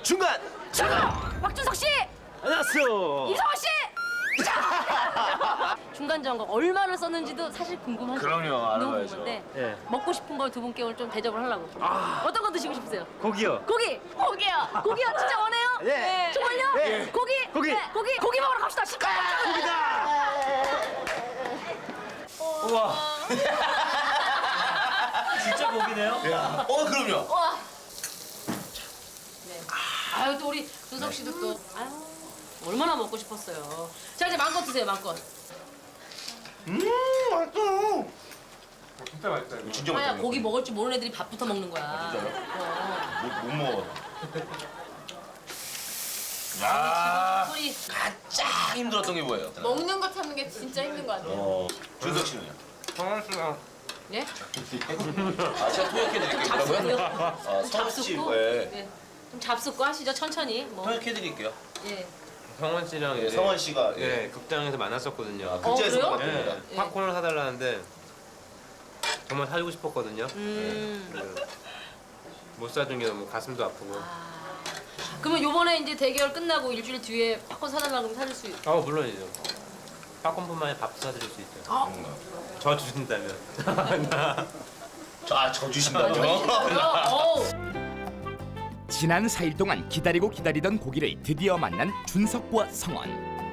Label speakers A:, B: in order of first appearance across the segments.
A: 중간.
B: 박준석 씨,
A: 안녕하세요.
B: 이성원 씨. 자! 중간 점검 얼마나 썼는지도 사실 궁금하죠.
A: 그럼요, 알아봐야죠.
B: 궁금한데
A: 예.
B: 먹고 싶은 걸 두 분께 오늘 좀 대접을 하려고. 어떤 거 드시고 싶으세요?
A: 고기요.
B: 고기요. 고기요. 진짜 원해요?
A: 예.
B: 정말요?
A: 예.
B: 고기.
A: 고기.
B: 네, 고기 먹으러 갑시다.
A: 고기다. 우와. 진짜 고기네요?
C: 그럼요.
B: 와. 네. 아유 또 우리 준석 씨도 또 아유 얼마나 먹고 싶었어요. 자 이제 마음껏 드세요, 마음껏.
C: 맛있어.
D: 진짜 맛있다 이거.
C: 진짜
B: 아야
C: 맛있어.
B: 고기 먹을 줄 모르는 애들이 밥부터 먹는 거야.
C: 못 먹어.
B: 야. 소리.
C: 가장 힘들었던 게 뭐예요?
E: 먹는 거 참는 게 진짜 힘든 거 같아요.
C: 준석 씨는요?
D: 성원 씨가
B: 예?
C: 제가 통역해드릴게요.
B: 잡숫고요.
C: 뭐라고요? 성원 씨,
B: 잡숫고.
C: 네.
B: 네. 좀 잡숫고 하시죠, 천천히. 뭐.
C: 통역해드릴게요.
B: 예.
D: 성원 씨랑
C: 네,
D: 이제
C: 성원 씨가
D: 예 극장에서 만났었거든요.
C: 극장에서
B: 그래요?
C: 만났답니다.
D: 예, 팝콘을 사달라는데 정말 사주고 싶었거든요.
B: 음.
D: 못 사준 게 너무 가슴도 아프고.
B: 그러면 요번에 이제 대결 끝나고 일주일 뒤에 팝콘 사달라고 하면 사줄 수 있...
D: 물론이죠. 팝콘뿐만 아니라 밥도 사드릴 수 있죠. 저 주신다면.
C: 저 주신다고요?
B: 어우.
F: 지난 4일 동안 기다리던 고기를 드디어 만난 준석과 성원.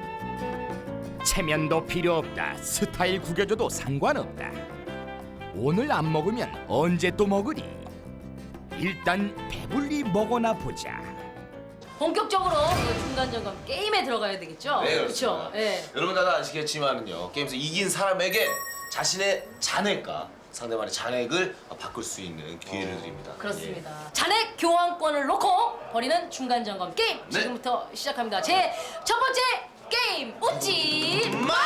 F: 체면도 필요 없다. 스타일 구겨줘도 상관없다. 오늘 안 먹으면 언제 또 먹으리? 일단 배불리 먹어나 보자.
B: 본격적으로 그 중간 점검 게임에 들어가야 되겠죠?
C: 네,
B: 그렇죠.
C: 그렇습니다.
B: 예.
C: 여러분 다들 아시겠지만은요, 게임에서 이긴 사람에게 자신의 잔액과 상대방의 잔액을 바꿀 수 있는 기회를 드립니다.
B: 그렇습니다. 잔액 교환권을 놓고 벌이는 중간 점검 게임
C: 네.
B: 지금부터 시작합니다. 제 첫 번째 게임 웃지
C: 예. 마!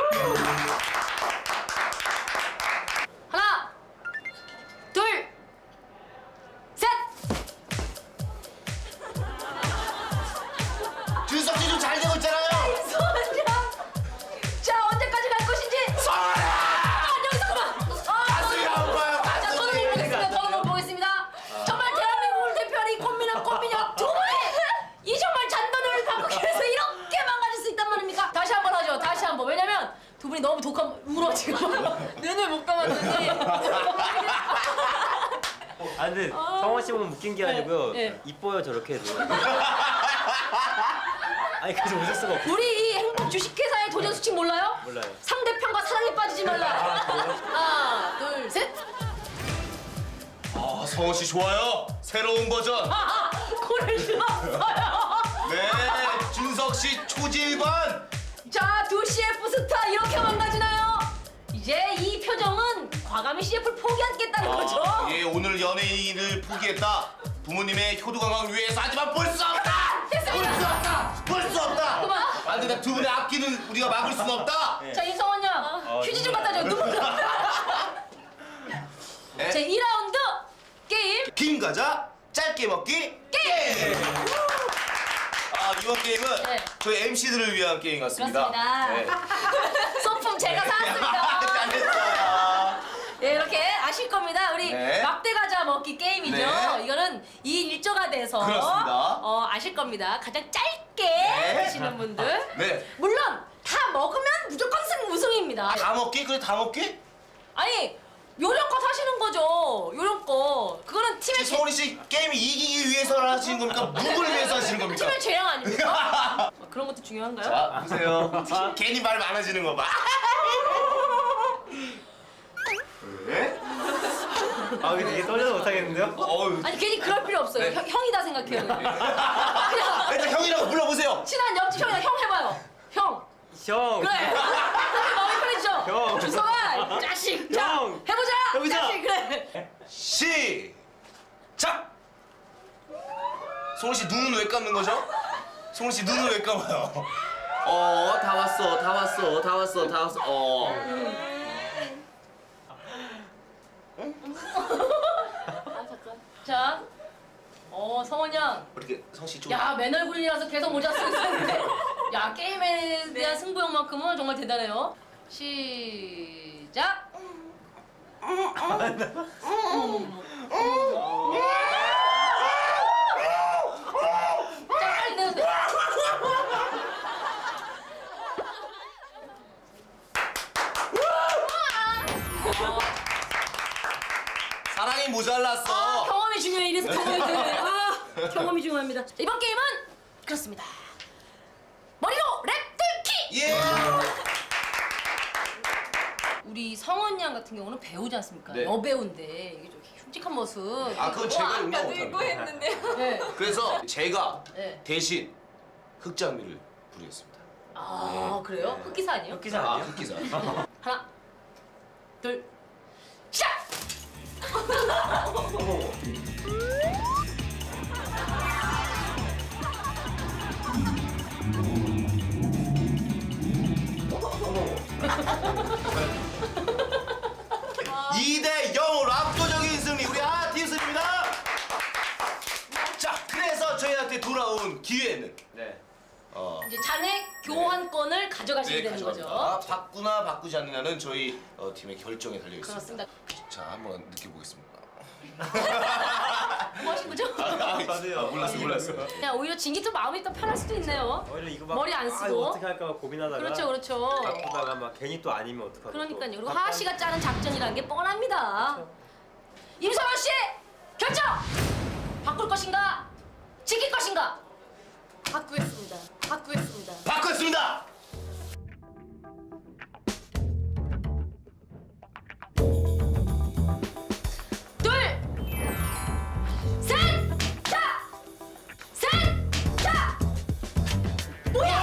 B: 하나, 둘, 셋.
C: 준석 씨 좀 잘 되고 있잖아요.
B: 소원장. 자 언제까지 갈 것인지.
C: 성원아!
B: 여기서 그만.
C: 가슴이 아파요,
B: 자
C: 가슴이.
B: 저는 보겠습니다. 저는 보겠습니다. 정말 대한민국을 대표하는 이 꽃미남 두 분이 이 정말 잔돈을 바꾸기 위해서 이렇게 망가질 수 있단 말입니까? 다시 한번 하죠. 다시 한번. 왜냐면 두 분이 너무 독한 울어 지금. 눈을 못 감았는데.
D: 아 근데 성원 씨 보면 웃긴 게 아니고요.
B: 네.
D: 이뻐요 저렇게 해도. 아니 그래서 웃을 수가 없어.
B: 우리 이 행복 주식회사의 도전 수칙 몰라요?
D: 몰라요.
B: 상대편과 사랑에 빠지지 말라. 하나, 둘, 셋.
C: 성원 씨 좋아요. 새로운 버전.
B: 코를 실었어요.
C: 네, 준석 씨 초질반.
B: 자, 두 CF 스타 이렇게 망가지나요? 이제 이 표정은 과감히 CF를 포기하겠다는 거죠.
C: 예, 오늘 연예인을 포기했다. 부모님의 효도 관광을 위해서 하지만 볼 수 없다.
B: 됐습니다.
C: 볼 수 없다. 볼 수 없다.
B: 그만.
C: 안 된다. 두 분의 앞길은 우리가 막을 수는 없다.
B: 자, 임성원 양 휴지 좀 갖다 줘. 눈물 나.
C: 네.
B: 제 2라운드 게임
C: 김 과자 짧게 먹기 게임. 이번 게임은
B: 네.
C: 저희 MC들을 위한 게임 같습니다.
B: 그렇습니다.
C: 네.
B: 소품 제가 사왔습니다.
C: 잘했어요.
B: 네, 이렇게 아실 겁니다. 우리
C: 네.
B: 막대 과자 먹기 게임이죠.
C: 네.
B: 이거는 2인 1조가 돼서
C: 그렇습니다.
B: 아실 겁니다. 가장 짧게
C: 네.
B: 드시는 분들.
C: 네.
B: 물론 다 먹으면 무조건 우승입니다.
C: 다 먹기? 그래 다 먹기?
B: 아니 요령껏 하시는 거죠. 요령껏. 그거는 팀의
C: 성훈이 씨 게임이 이기기 위해서 하시는 겁니까? 누구를 위해서 하시는 겁니까?
B: 팀의 재량 아닙니까? 그런 것도 중요한가요?
C: 자, 보세요. 괜히 말 많아지는 거 봐. 왜?
D: 아 근데 되게 떨려서 못하겠는데요?
C: 어휴.
B: 아니 괜히 그럴 필요 없어요.
C: 네.
B: 형이다 생각해요. 그냥
C: 일단 형이라고 불러보세요.
B: 친한 옆집 형이랑 형 해봐요. 형.
D: 형.
B: 그래. 마음이 편해지죠?
D: 형.
B: 주성아, 자식. 자,
D: 형.
B: 해보자.
D: 해보자.
B: 자식, 그래.
C: 시작. 송은 씨 눈은 왜 감는 거죠? 송은 씨 눈은 왜 감아요? 다 왔어, 다 왔어, 다 왔어, 다 왔어.
B: 자, 성원 양.
C: 어떻게 성씨 좀.
B: 야, 맨 얼굴이라서 계속 모자 쓰고 있었는데. 야, 게임에 대한 승부욕만큼은 정말 대단해요. 시작. 경험이 중요합니다. 자, 이번 게임은 그렇습니다. 머리로 랩 뚫기.
C: 예.
B: 우리 성원 양 같은 경우는 배우지 않습니까?
C: 네.
B: 여배우인데 이게 좀 흉측한 모습.
C: 아 그건 제가
E: 아까
C: 용납
E: 늘고
C: 못합니다.
E: 했는데.
B: 네.
C: 그래서 제가
B: 네.
C: 대신 흑장미를 부리겠습니다.
B: 아 그래요? 흑기사 아니에요?
A: 흑기사
C: 아
A: 아니에요?
C: 흑기사.
B: 하나, 둘, 시작!
C: 이 대 0으로 압도적인 승리 우리 팀승입니다. 자 그래서 저희한테 돌아온 기회는
A: 네.
B: 이제 잔액 교환권을 가져가시게 되는 거죠.
C: 바꾸나 바꾸지 않느냐는 저희 팀의 결정에 달려 있습니다.
B: 그렇습니다.
C: 자 한번 느껴보겠습니다.
B: 뭐 하신 거죠?
C: 몰랐어.
B: 그냥 오히려 진기 또 마음이 또 편할 수도 있네요.
D: 오히려 이거 막
B: 머리 안
D: 이거
B: 쓰고.
D: 어떻게 할까 막 고민하다가
B: 그렇죠, 그렇죠.
D: 바꾸다가 막 괜히 또 아니면 어떡하고.
B: 그러니까요. 그리고
D: 또
B: 하하 씨가 짜는 작전이라는 게 뻔합니다. 임성원 씨 결정! 바꿀 것인가? 지킬 것인가?
E: 바꾸겠습니다. 바꾸겠습니다.
C: 바꿨습니다.
B: 둘, 셋, 자, 셋, 자. 뭐야?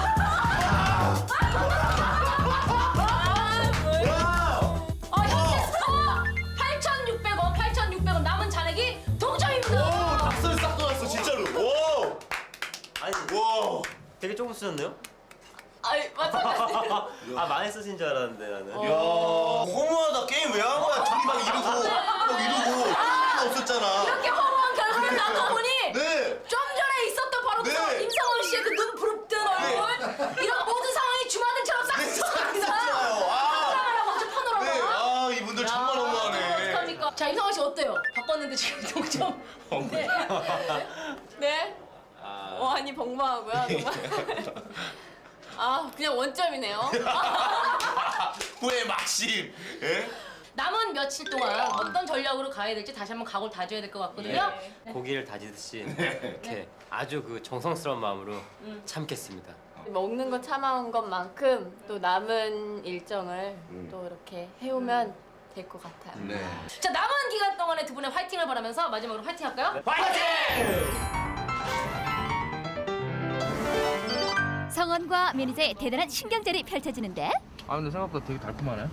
B: 현재 스코어 8,600원, 8,600원 남은 잔액이 동점입니다.
C: 박살 싹 돌았어 진짜로. 오.
D: 아니
C: 와.
D: 되게 조금 쓰셨네요?
E: 아이 마찬가지.
D: 아 많이 쓰신 줄 알았는데 나는.
C: 야 허무하다. 게임 왜 한 거야? 둘이 막 이러고 없었잖아.
B: 이렇게 허무한 결과를 낳고 보니
C: 네.
B: 좀 전에 있었던 바로 그
C: 네.
B: 임성원 씨의 그 눈 부릅뜬 얼굴 이런 모든 상황이 주마등처럼 싹
C: 네,
B: 쏟아집니다.
C: 싹
B: 사랑하라고 아주 파노라마.
C: 네. 아 이분들 정말 너무하네.
B: 어떡합니까? 자 임성원 씨 어때요? 바꿨는데 지금 동점. 네.
E: 네. 아니 벙벙하고요. 정말. 아 그냥 원점이네요.
C: 후회 막심. 예?
B: 남은 며칠 동안 어떤 전략으로 가야 될지 다시 한번 각오를 다져야 될 것 같거든요.
E: 네.
D: 고기를 다지듯이 이렇게 아주 그 정성스러운 마음으로 참겠습니다.
E: 먹는 거 참아온 것만큼 또 남은 일정을 또 이렇게 해오면 될 것 같아요.
C: 네.
B: 자 남은 기간 동안에 두 분의 화이팅을 바라면서 마지막으로 화이팅 할까요?
G: 성원과 매니저의 대단한 신경전이 펼쳐지는데
H: 아 근데 생각보다 되게 달콤하네.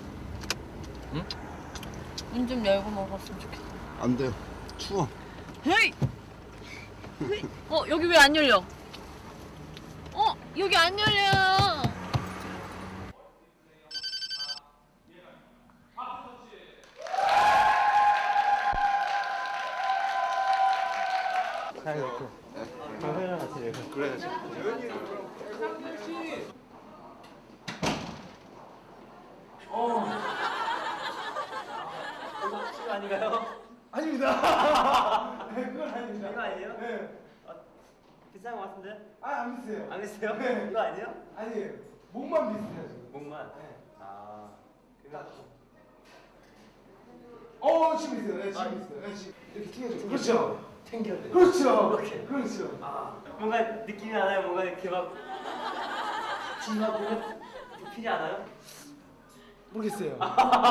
E: 문 좀 열고 먹었으면 좋겠어.
I: 안 돼요. 추워.
E: 헤이! 여기 왜 안 열려? 여기 안 열려요.
D: 회랑 같이 내가.
I: 그래.
D: 이거 아닌가요?
H: 아닙니다.
D: 이거 아니에요? 네. 비싼 거 같은데?
H: 안 비슷해요.
D: 안 비슷해요?
H: 네.
D: 이거 아니에요?
H: 아니에요. 몸만 비슷해요 지금.
D: 목만.
H: 네.
D: 아.
H: 지금 있어요. 네, 지금 있어요. 네, 지금 이렇게 튕겨줘. 그렇죠. 튕겨야 돼. 그렇죠. 그렇죠.
D: 뭔가 느낌이 나나요? 뭔가 이렇게 막 진막 보면 부피지 않아요?
H: 모르겠어요.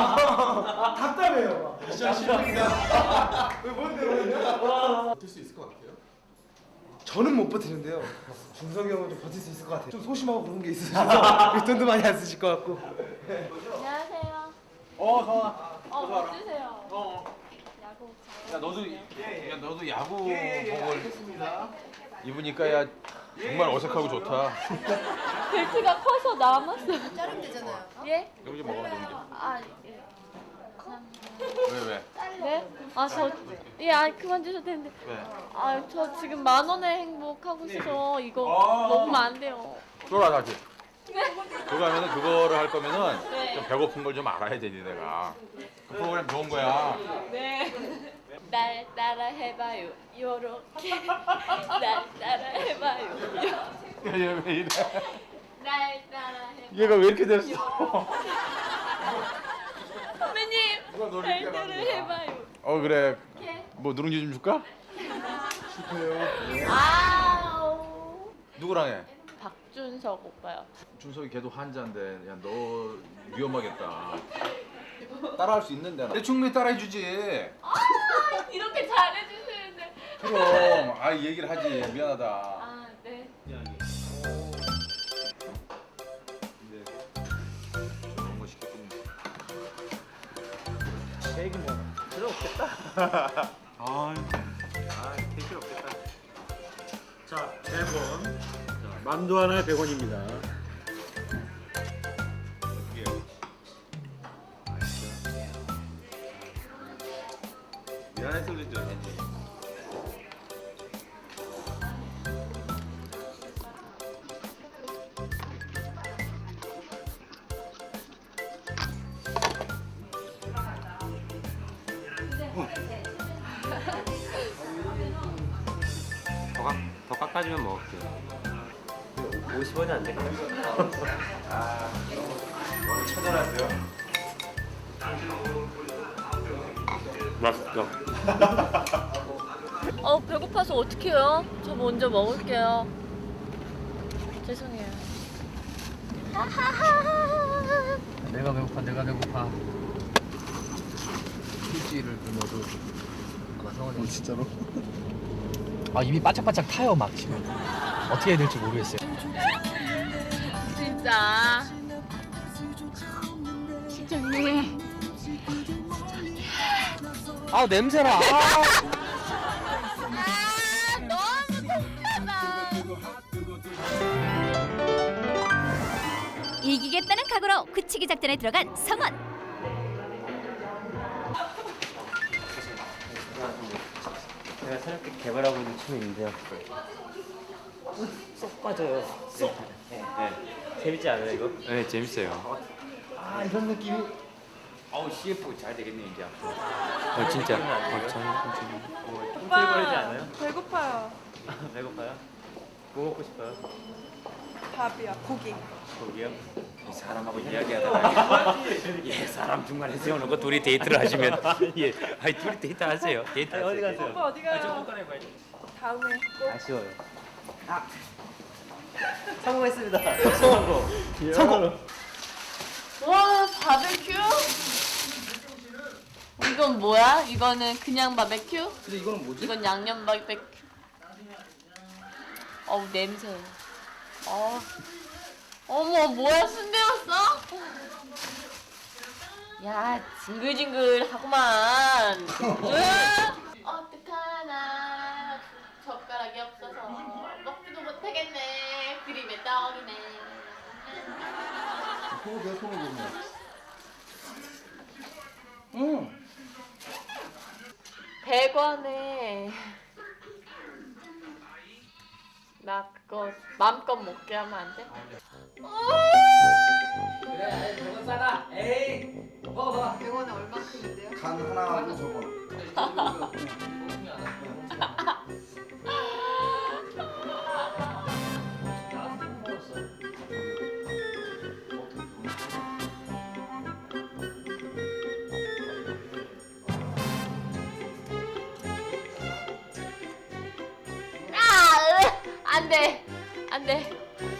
H: 답답해요. 진짜 싫습니다. 왜 뭔데요?
I: 버틸 수 있을 것 같아요.
H: 저는 못 버티는데요. 준석이 형은 좀 버틸 수 있을 것 같아요. 좀 소심하고 그런 게 있으셔서 돈도 많이 안 쓰실 것 같고.
E: 안녕하세요.
H: 좋아.
E: 뭐 주세요. 야구.
J: 야 너도 야구복을 입으니까 야 정말 어색하고 좋다.
E: 벨트가 커서 남았어요.
B: 자르면 되잖아요.
E: 예?
J: 여기 좀 먹어.
E: 아 예.
J: 왜?
E: 네? 그만 주셔도 되는데.
J: 왜?
E: 저 지금 10,000원의 행복하고 있어서 이거 먹으면 안 돼요.
J: 쫄아 다시. 그거 하면은 그거를 할 거면은
E: 네.
J: 좀 배고픈 걸 좀 알아야 되니 내가. 그 프로그램 좋은 거야.
E: 네. 날 따라 해봐요. 요렇게. 날 따라 해봐요.
J: 얘 왜 이래?
E: 날 따라 해봐요.
J: 얘가 왜 이렇게 됐어?
E: 선배님,
J: 누가 너를
E: 날
J: 이렇게
E: 따라
J: 만드냐?
E: 해봐요.
J: 그래.
E: 이렇게.
J: 뭐 누룽지 좀 줄까?
E: 아우.
J: 누구랑 해?
E: 박준석 오빠요.
J: 준석이 걔도 환자인데 야 너 위험하겠다. 따라할 수 있는데 내 충분히 따라해주지.
E: 이렇게 잘해주시는데.
J: 그럼 아 얘기를 하지. 미안하다.
E: 아 네.
J: 그런 거 시켰군요.
A: 케이크 뭐 필요 없겠다.
J: 케이크 없겠다.
A: 자, 100원. 자, 만두 하나에 100원입니다.
J: 미안해서 그랬죠.
D: 더 깎아주면 먹을게요. 50원이 안 될까요?
J: 너무 처절한데요?
D: 맛있죠?
E: 배고파서 어떡해요? 저 먼저 먹을게요. 죄송해요.
A: 내가 배고파.
H: 휴지를 굶어도 아마 성원이 진짜로?
A: 아, 입이 바짝바짝 타요, 막 지금. 어떻게 해야 될지 모르겠어요.
E: 진짜.
A: 아, 냄새나.
E: 너무 독하다.
G: 이기겠다는 각오로 굳히기 작전에 들어간 성원.
D: 제가 새롭게 개발하고 있는 춤이 있는데요. 쏙 빠져요. 쏙. 네. 재밌지 않아요 이거? 네 재밌어요.
H: 아 이런 느낌이
J: 아우 CF 잘 되겠네 이제.
D: 진짜. 꿈틀거리지 않아요?
K: 배고파요.
D: 배고파요? 뭐 먹고 싶어요?
K: 밥이야, 고기.
D: 고기요? 이 사람하고 이야기하다가 사람 중간에 세워놓고 둘이 데이트를 하시면 둘이 데이트 하세요. 데이트 어디 가세요?
K: 오빠 어디 가요?
D: 좀 꺼내봐야지.
K: 다음에 꼭.
D: 아쉬워요. 성공했습니다. 성공.
E: 와 바베큐? 이건 뭐야? 이거는 그냥 바베큐?
H: 근데 이거는 뭐지?
E: 이건 양념 바베큐. 어우 냄새. 어머 뭐야 순대였어? 야 징글징글하구만. 어떡하나 젓가락이 없어서 먹지도 못하겠네. 그림의 떡이네.
I: 소고기야 소고기네.
E: 100원에 나 그거 마음껏 먹게 하면 안 돼?
A: 그래, 100원 싸다. 에이, 먹어봐.
K: 100원에 얼마큼인데요?
I: 간 하나하고 저거.
E: 안 돼. 안 돼.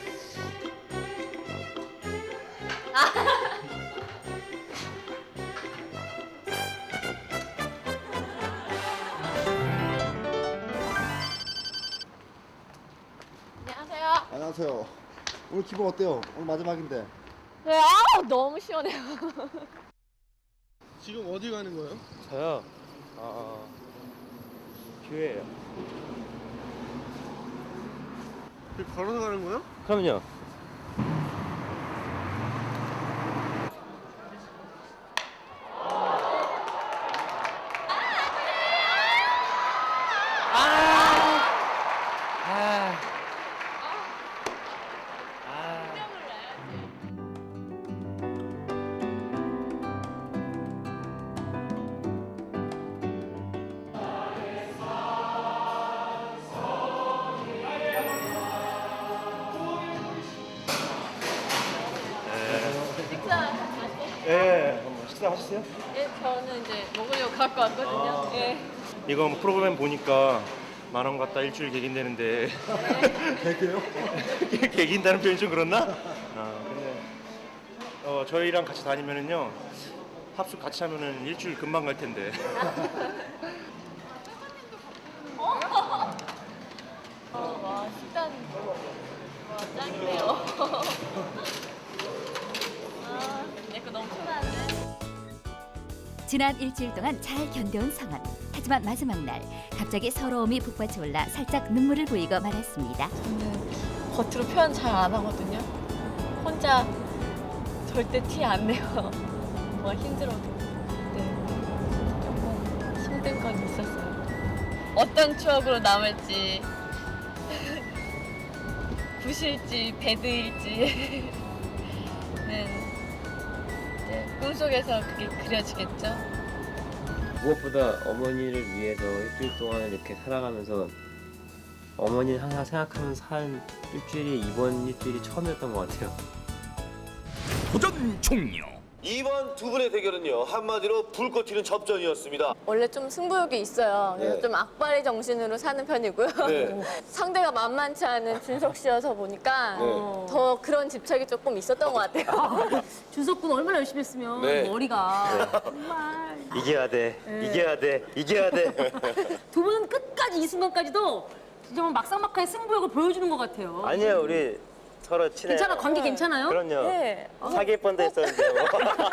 E: 안녕하세요.
I: 안녕하세요. 오늘 기분 어때요? 오늘 마지막인데.
E: 네, 아우 너무 시원해요.
H: 지금 어디 가는 거예요?
D: 저요. 교회예요.
H: 걸어서 가는 거예요?
D: 그럼요.
H: 예. 식사 하셨어요?
E: 예, 저는 이제 먹으려고 갖고 왔거든요. 예.
H: 이거 프로그램 보니까
L: 10,000원 갖다 일주일 객인되는데. 객이요? 객인다는 표현이 좀 그렇나? 근데 저희랑 같이 다니면은요 합숙 같이 하면은 일주일 금방 갈 텐데.
E: 와 식단 와 짱이네요. 내 거 너무 편한데.
G: 지난 일주일 동안 잘 견뎌온 성원. 하지만 마지막 날 갑자기 서러움이 북받쳐 올라 살짝 눈물을 보이고 말았습니다.
E: 저는 겉으로 표현 잘 안 하거든요. 혼자 절대 티 안 내요. 뭐 힘들어도. 네. 조금 힘든 건 있었어요. 어떤 추억으로 남을지, 굿일지 배드일지. 네, 꿈속에서 그게 그려지겠죠.
M: 무엇보다 어머니를 위해서 일주일 동안 이렇게 살아가면서 어머니를 항상 생각하면서 산 일주일이 이번 일주일이 처음이었던 것 같아요.
F: 도전 종료.
C: 이번 두 분의 대결은요 한마디로 불꽃 튀는 접전이었습니다.
E: 원래 좀 승부욕이 있어요. 그래서
C: 네.
E: 좀 악바리 정신으로 사는 편이고요.
C: 네.
E: 상대가 만만치 않은 준석 씨여서 보니까
C: 네.
E: 더 그런 집착이 조금 있었던 것 같아요.
B: 준석 군 얼마나 열심히 했으면
C: 네.
B: 머리가 정말.
M: 이겨야 돼,
B: 네.
M: 이겨야 돼, 이겨야 돼.
B: 두 분은 끝까지 이 순간까지도 진짜 뭐 막상막하의 승부욕을 보여주는 것 같아요.
M: 아니에요, 우리 서로 친해요.
B: 괜찮아, 관계 괜찮아요?
M: 그럼요.
E: 네.
M: 사귈 뻔도 했었는데. 뭐.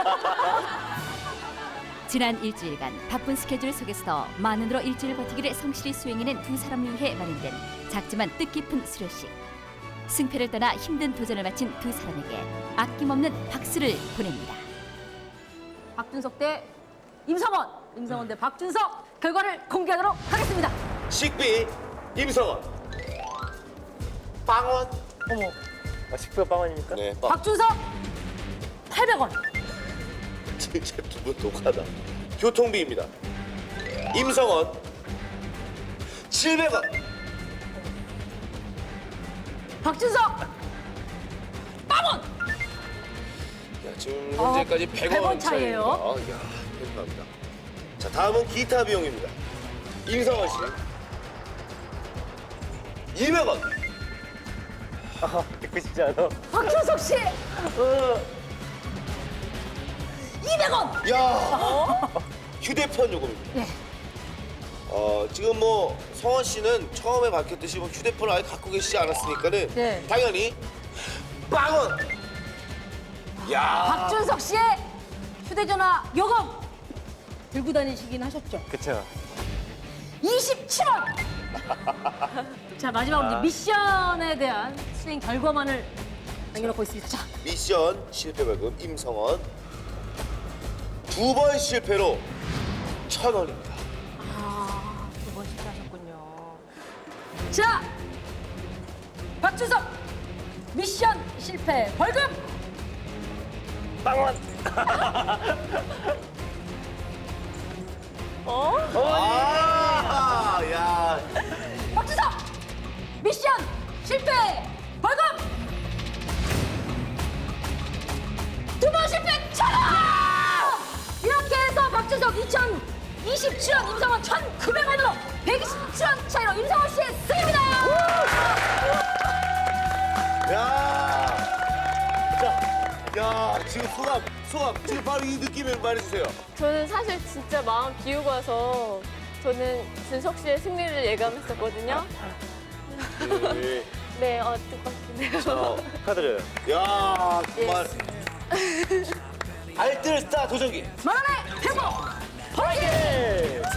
G: 지난 일주일간 바쁜 스케줄 속에서도 만원으로 일주일 버티기를 성실히 수행해낸 두 사람을 위해 마련된 작지만 뜻깊은 수료식. 승패를 떠나 힘든 도전을 마친 두 사람에게 아낌없는 박수를 보냅니다.
B: 박준석 대 임성원, 임성원 대 박준석 결과를 공개하도록 하겠습니다.
C: 식비 임성원. 빵원.
B: 어머,
M: 식비가 빵원입니까?
C: 네. 빵.
B: 박준석 800원.
C: 진짜 두 분 독하다. 교통비입니다. 임성원 700원.
B: 박준석 빵원.
C: 야, 지금 현재까지 100원
B: 100원 차이예요.
C: 이야, 감사합니다. 자, 다음은 기타 비용입니다. 임성원 씨 200원.
M: 듣고 싶지 않아?
B: 박준석 씨 200원.
C: 야, 휴대폰 요금입니다.
B: 네.
C: 지금 뭐 성원 씨는 처음에 밝혔듯이 뭐 휴대폰을 아예 갖고 계시지 않았으니까는
B: 네.
C: 당연히 빵원. 야,
B: 박준석 씨의 휴대전화 요금 들고 다니시긴 하셨죠?
M: 그쵸.
B: 27원. 자, 마지막으로 이제 미션에 대한 수행 결과만을 남겨놓고 있습니다. 자,
C: 미션 실패 벌금 임성원 2번 실패로 1,000원입니다.
B: 아, 2번 실패하셨군요. 자, 박준석 미션 실패 벌금
M: 빵원.
C: 아, 야.
B: 박준석 미션 실패 벌금 2번 실패 1,000원. 이렇게 해서 박준석 2,027원, 임성원 1,900원으로 127원 차이로 임성원 씨의 승입니다.
C: 야. 자, 야, 지금 소감 지금 바로 이 느낌을 말해주세요.
E: 저는 사실 진짜 마음 비우고 와서 저는 준석 씨의 승리를 예감했었거든요.
C: 네.
E: 네, 뜻밖이네요.
C: 축하드려요. 야, 정말 알뜰 스타 도전기.
B: 만원의 행복!
C: 파이팅!